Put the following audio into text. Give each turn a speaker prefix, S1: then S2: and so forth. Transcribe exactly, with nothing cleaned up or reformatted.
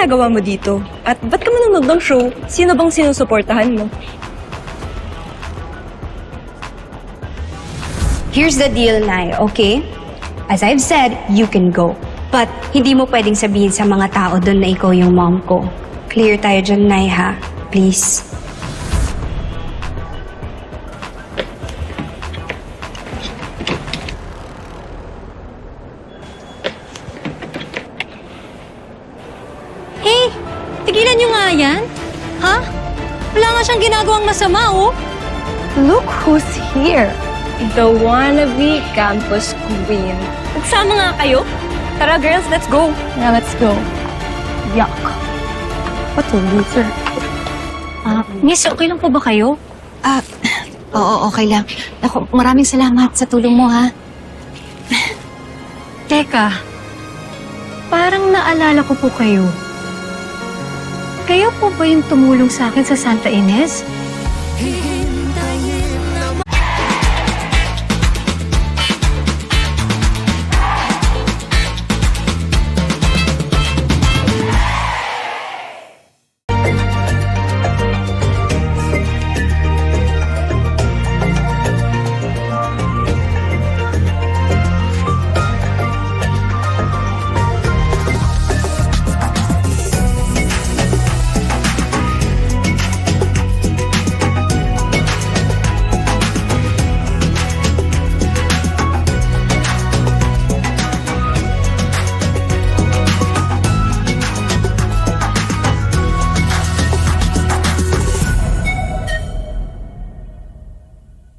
S1: ginagawa mo dito? At ba't ka manonood ng show? Sino bang sinusuportahan mo?
S2: Here's the deal, Nay, okay? As I've said, you can go. But hindi mo pwedeng sabihin sa mga tao doon na ikaw yung mom ko. Clear tayo dyan, Nay, ha? Please.
S3: Hey, tigilan niyo nga yan. Ha? Wala nga siyang ginagawang masama, oh.
S1: Look who's here. The wannabe campus queen. Nagsama nga kayo? Tara girls, let's go.
S3: Yeah, let's go.
S1: Yuck. What a loser.
S3: Ah, miss, okay lang po ba kayo?
S4: Ah, oo, okay lang. Ako, maraming salamat sa tulong mo, ha?
S3: Teka, parang naalala ko po kayo. Kayo po ba yung tumulong sa akin sa Santa Ines?